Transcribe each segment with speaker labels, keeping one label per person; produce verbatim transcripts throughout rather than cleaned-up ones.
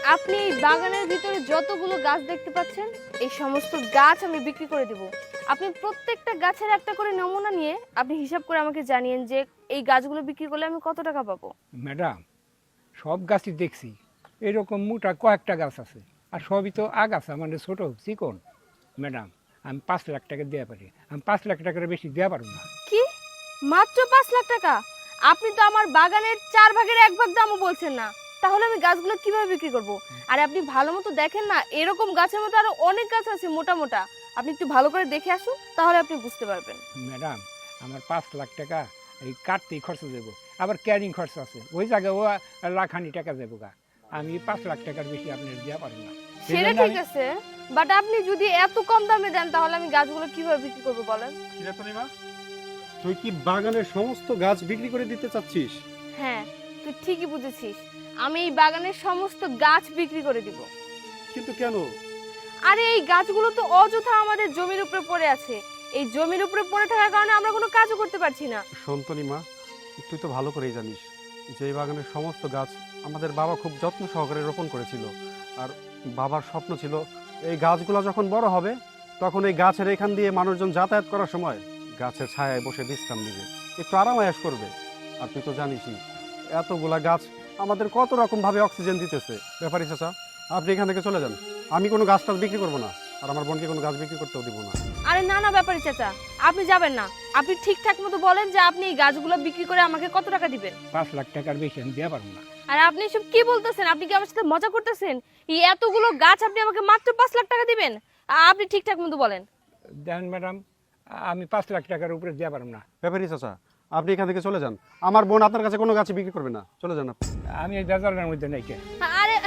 Speaker 1: আপনি এই বাগানের ভিতরে যতগুলো গাছ দেখতে পাচ্ছেন এই সমস্ত গাছ আমি বিক্রি করে দেব। আপনি প্রত্যেকটা গাছের একটা করে নমুনা নিয়ে আপনি হিসাব করে আমাকে জানিয়েন যে এই গাছগুলো বিক্রি করলে আমি কত টাকা পাবো।
Speaker 2: ম্যাডাম, সব গাছই দেখছি, এরকম মোটা কয়েকটা গাছ আছে, আর সবই তো আগাছা, মানে ছোট চিকন। ম্যাডাম, আমি পাঁচ লাখ টাকা দেওয়া পারি, আমি পাঁচ লাখ টাকার বেশি দেওয়া পারবো না।
Speaker 1: কি, মাত্র পাঁচ লাখ টাকা? আপনি তো আমার বাগানের চার ভাগের এক ভাগ দামও বলছেন না, তাহলে আমি গাছগুলো কিভাবে বিক্রি করব? আর আপনি ভালো মতো দেখেন না, এরকম গাছের মতো আরো অনেক গাছ আছে মোটা মোটা, আপনি একটু ভালো করে দেখে আসুন, তাহলে আপনি বুঝতে পারবেন।
Speaker 2: ম্যাডাম, আমার পাঁচ লাখ টাকা এই কাটতেই খরচ দেবো, আবার ক্যারিং খরচ আছে, ওই জায়গায় ও লাখানি টাকা দেবো গা। আমি পাঁচ লাখ টাকার বেশি আপনার দেওয়া পারবো না।
Speaker 1: সেটা ঠিক আছে, বাট আপনি যদি এত কম দামে দেন তাহলে আমি গাছগুলো কিভাবে বিক্রি করবো বলেন?
Speaker 3: কিরাতনিমা, তুই কি বাগানের সমস্ত গাছ বিক্রি করে দিতে চাচ্ছিস?
Speaker 1: হ্যাঁ, তুই ঠিকই বুঝেছিস, আমি এই বাগানের সমস্ত গাছ বিক্রি করে দিব।
Speaker 3: কিন্তু কেন?
Speaker 1: আরে এই গাছগুলো তো অযথা আমাদের জমির উপরে পড়ে আছে, এই জমির উপরে পড়ে থাকার কারণে আমরা কোনো কাজও করতে পারছি না।
Speaker 3: সন্তনিমা, তুই তো ভালো করেই জানিস যে এই বাগানের সমস্ত গাছ আমাদের বাবা খুব যত্ন সহকারে রোপণ করেছিল, আর বাবার স্বপ্ন ছিল এই গাছগুলো যখন বড় হবে তখন এই গাছের এখান দিয়ে মানুষজন যাতায়াত করার সময় গাছের ছায়ায় বসে বিশ্রাম নেবে, একটু আরাম আয়েশ করবে। আর তুই তো জানিসই এতগুলা গাছ আমাদের কত রকম ভাবে অক্সিজেন দিতেছে। ব্যাপারী চাচা, আপনি এখান থেকে চলে যান, আমি কোনো গাছ টাছ বিক্রি করবো না, আর আমার বোনকে কোনো গাছ বিক্রি করতেও দিব না।
Speaker 1: আরে না না ব্যাপারী চাচা, আপনি যাবেন না, আপনি ঠিকঠাক মতো বলেন যে আপনি এই গাছগুলো বিক্রি করে আমাকে কত টাকা দিবেন।
Speaker 2: পাঁচ লাখ টাকার বেশি আমি দেওয়া পারবো না।
Speaker 1: আর আপনি সব কি বলতেছেন? আপনি কি আমার সাথে মজা করতেছেন? এই এতগুলো গাছ আপনি আমাকে মাত্র পাঁচ লাখ টাকা দিবেন? আপনি ঠিকঠাক মতো বলেন।
Speaker 2: দেখেন ম্যাডাম, আমি পাঁচ লাখ টাকার উপরে দেওয়া পারবো না।
Speaker 3: ব্যাপারী চাচা, আপনি এখান থেকে চলে যান, আমার বোন আপনার কাছে কোনো গাছ বিক্রি করবে না, চলে যান আপনি।
Speaker 2: আমি এই বেজারের মধ্যে নাই কে।
Speaker 1: আরে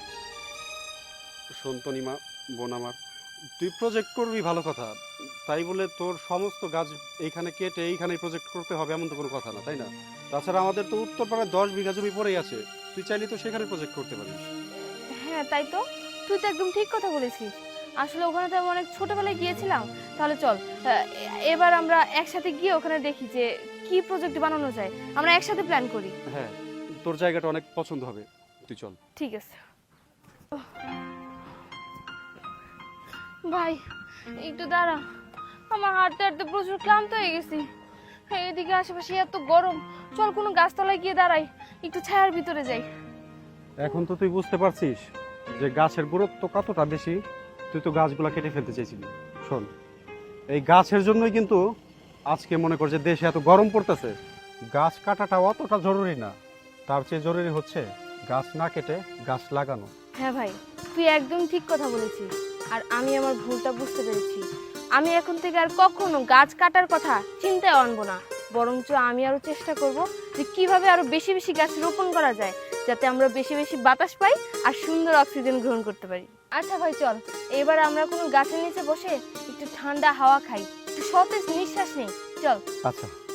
Speaker 3: সন্তনিমা, বোন আমার, তুই প্রজেক্ট করবি ভালো কথা, তাই বলে তোর সমস্ত গাছ এইখানে কেটে এইখানে প্রজেক্ট করতে হবে এমন তো কোনো কথা না, তাই না? তাছাড়া আমাদের তো উত্তরপাড়ায় দশ বিঘা জমি পড়েই আছে, তুই চাইলে তো সেখানে প্রজেক্ট করতে পারিস।
Speaker 1: হ্যাঁ তাই তো, তুই তো একদম ঠিক কথা বলেছিস। আসলে ওখানে তো আমি অনেক ছোটবেলায় গিয়েছিলাম। তাহলে চল আহ, এবার আমরা একসাথে গিয়ে ওখানে দেখি যে কি প্রজেক্ট বানানো যায়, আমরা একসাথে প্ল্যান করি।
Speaker 3: হ্যাঁ, তোর জায়গাটা অনেক পছন্দ হবে, তুই চল।
Speaker 1: ঠিক আছে ভাই, একটু দাঁড়া, আমার হাঁটতে হাঁটতে প্রচুর ক্লান্ত হয়ে গেছি। এদিকে আশেপাশে এত গরম, চল কোনো গাছতলায় গিয়ে দাঁড়াই, একটু ছায়ার ভিতরে যাই।
Speaker 3: এখন তো তুই বুঝতে পারছিস যে গাছের গুরুত্ব কতটা বেশি, তুই তো গাছগুলা কেটে ফেলতে চেয়েছিলি। শোন, এই গাছের জন্যই কিন্তু আজকে মনে কর যে দেশে এত গরম পড়তেছে। গাছ কাটাটা অতটা জরুরি না, তার চেয়ে জরুরি হচ্ছে গাছ না কেটে গাছ লাগানো।
Speaker 1: হ্যাঁ ভাই, তুই একদম ঠিক কথা বলেছিস, আর আমি আমার ভুলটা বুঝতে পেরেছি। আমি এখন থেকে আর কখনো গাছ কাটার কথা চিন্তায় আনবো না, বরঞ্চ আমি আরো চেষ্টা করব যে কিভাবে আরো বেশি বেশি গাছ রোপণ করা যায়, যাতে আমরা বেশি বেশি বাতাস পাই আর সুন্দর অক্সিজেন গ্রহণ করতে পারি। আচ্ছা ভাই চল, এবার আমরা কোনো গাছের নিচে বসে একটু ঠান্ডা হাওয়া খাই, একটু সতেজ নিঃশ্বাস নেই, চল।
Speaker 3: আচ্ছা।